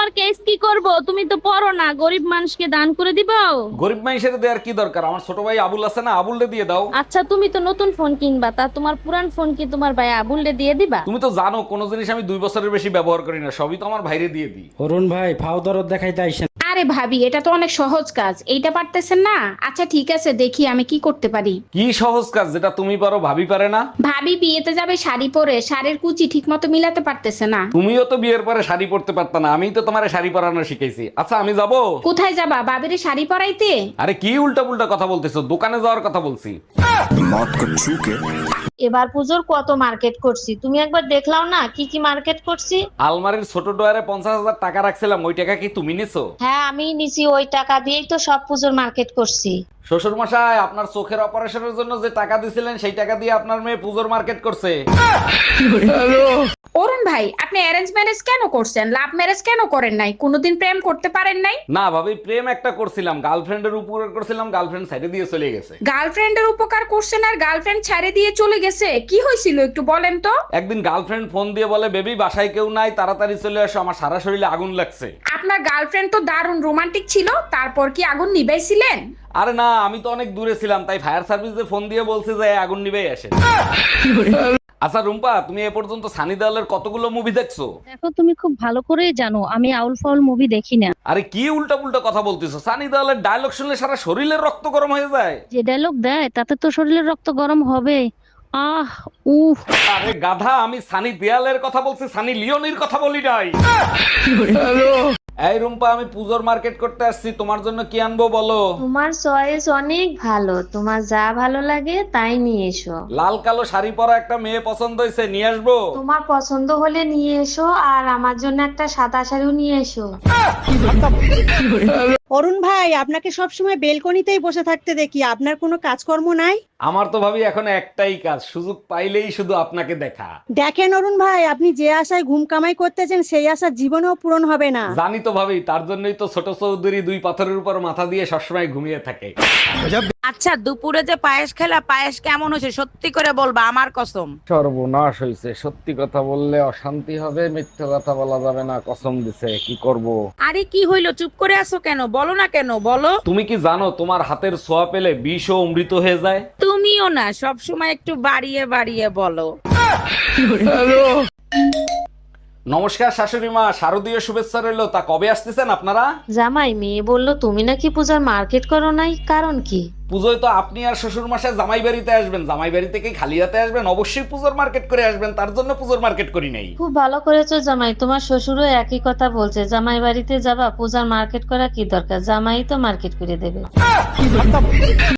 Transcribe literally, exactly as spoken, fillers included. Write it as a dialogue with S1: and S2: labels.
S1: তোমার কেস কি করব? তুমি তো পড়ো না, গরিব মানুষকে দান করে দিবা।
S2: গরিব মানুষের দেওয়ার কি দরকার? আমার ছোট ভাই আবুল আছে না, আবুলরে দিয়ে দাও।
S1: আচ্ছা তুমি তো নতুন ফোন কিনবা, তা তোমার পুরান ফোন কি তোমার ভাই আবুলরে দিয়ে দিবা?
S2: তুমি তো জানো কোনো জিনিস আমি দুই বছরের বেশি ব্যবহার করি না, সবই তো আমার ভাইরে দিয়ে দিই।
S3: অরুণ ভাই ফাও দরদ দেখাইতে আইসেন।
S4: আরে ভাবি, এটা তো অনেক সহজ কাজ, এইটা পারতেছেন না? আচ্ছা ঠিক আছে, দেখি আমি কি করতে পারি।
S2: কি সহজ কাজ যেটা তুমি পারো ভাবি পারে না?
S4: ভাবি বিয়েতে যাবে শাড়ি পরে, শাড়ির কুচি ঠিক মতো মিলাতে পারতেছে না।
S2: তুমিও তো বিয়ের পরে শাড়ি পরতে পারতা না, আমিই তো তোমারে শাড়ি পরানো শিখাইছি। আচ্ছা আমি যাব।
S4: কোথায় যাবা? বাবিরে শাড়ি পরাইতে?
S2: আরে কি উল্টা পুল্টা কথা বলতেছো, দোকানে যাওয়ার কথা বলছি।
S5: এবার পুজোর কত মার্কেট করছি, তুমি একবার দেখলাও না কি কি মার্কেট করছি।
S2: আলমারির ছোট ডয়ারে পঞ্চাশ হাজার টাকা রাখছিলাম, ওই টাকা কি তুমি নিছো?
S5: হ্যাঁ আমি নিছি, ওই টাকা দিয়েই তো সব পুজোর মার্কেট করছি।
S2: শ্বশুর মশাই, আপনার চোখের অপারেশনের জন্য যে টাকা দিছিলেন সেই টাকা দিয়ে আপনার মেয়ে পুজোর মার্কেট করছে।
S4: অরুণ ভাই, আপনি অ্যারেঞ্জ ম্যারেজ কেন করছেন? লাভ ম্যারেজ কেন করেন নাই? কোনোদিন প্রেম করতে পারেন নাই?
S2: না ভাবি, প্রেম একটা করছিলাম, গার্লফ্রেন্ডের উপরে করছিলাম, গার্লফ্রেন্ড সাইডে দিয়ে চলে গেছে।
S4: গার্লফ্রেন্ডের উপকার করছেন আর গার্লফ্রেন্ড ছেড়ে দিয়ে চলে গেছে? কি হয়েছিল একটু বলেন তো।
S2: একদিন গার্লফ্রেন্ড ফোন দিয়ে বলে, বেবি বাসায় কেউ নাই, তাড়াতাড়ি চলে আসো, আমার সারা শরীরে আগুন লাগছে।
S4: আপনার গার্লফ্রেন্ড তো দারুণ রোমান্টিক ছিল, তারপর কি আগুন নিভাইছিলেন?
S2: আরে না, আমি তো অনেক দূরে ছিলাম, তাই ফায়ার সার্ভিসে ফোন দিয়ে বলছে যে আগুন নিবেই আসে। আচ্ছা রুম্পা, তুমি এ পর্যন্ত সানি দেওয়ালের কতগুলো মুভি দেখছো?
S1: দেখো তুমি খুব ভালো করেই জানো আমি আউল ফাউল মুভি দেখি না।
S2: আরে কি উল্টা পুল্টা কথা বলতেছো? সানি দেওয়ালের ডায়লগ শুনলে সারা শরীরের রক্ত গরম হয়ে যায়।
S1: যে ডায়লগ দেয় তাতে তো শরীরের রক্ত গরম হবে। আহ উফ।
S2: আরে গাধা, আমি সানি দেওয়ালের কথা বলছি, সানি লিওনির কথা বলি নাই। এই রুম্পা, আমি পুজোর মার্কেট করতে আসছি, তোমার জন্য কি আনবো বলো?
S5: তোমার চয়েস অনেক ভালো, তোমার যা ভালো লাগে তাই নিয়ে এসো।
S2: লাল কালো শাড়ি পরা একটা মেয়ে পছন্দ হয়েছে, নিয়ে আসবো।
S5: তোমার পছন্দ হলে নিয়ে এসো, আর আমার জন্য একটা সাদা শাড়িও নিয়ে এসো।
S6: অরুণ ভাই, আপনাকে সবসময় বেলকনিতেই বসে থাকতে দেখি, আপনার কোনো কাজকর্ম নাই?
S2: আমার তো ভাবি এখন একটাই কাজ, সুযোগ পাইলেই শুধু আপনাকে দেখা।
S6: দেখেন অরুণ ভাই, আপনি যে আশায় ঘুম কামাই করতেছেন সেই আশা জীবনেও পূরণ হবে না।
S2: জানি তো ভাবি, তার জন্যই তো ছোট চৌধুরী দুই পাথরের উপর মাথা দিয়ে সবসময় ঘুমিয়ে থাকে।
S7: আচ্ছা দুপুরে যে পায়েস খেলা, পায়েস কেমন হয়েছে সত্যি করে বলবা, আমার কসম।
S2: সর্বনাশ হয়েছে, সত্যি কথা বললে অশান্তি হবে, মিথ্যে কথা বলা যাবে না, কসম দিছে, কি করব।
S7: আরে কি হইলো, চুপ করে আছো কেন? বলো না কেন, বলো।
S2: তুমি কি জানো তোমার হাতের ছোঁয়া পেলে বিষ ও অমৃত হয়ে যায়?
S7: তুমিও না সব সময় একটু বাড়িয়ে বাড়িয়ে বলো।
S2: নমস্কার শাশুড়ি মা, শারদীয় শুভেচ্ছা রইলো। তা কবে আসতেছেন আপনারা?
S5: জামাই, মেয়ে বললো তুমি নাকি পূজার মার্কেট করো নাই, কারণ কি?
S2: পুজোয় তো আপনি আর শ্বশুর মশাই জামাই বাড়িতে আসবেন, জামাই বাড়ি থেকে খালি হাতে আসবেন, অবশ্যই পুজোর মার্কেট করে আসবেন, তার জন্য পুজোর মার্কেট করি নাই।
S5: খুব ভালো করেছো জামাই, তোমার শ্বশুরও একই কথা বলছে, জামাই বাড়িতে যাবা, পূজার মার্কেট করা কি দরকার, জামাই তো মার্কেট করে দেবে।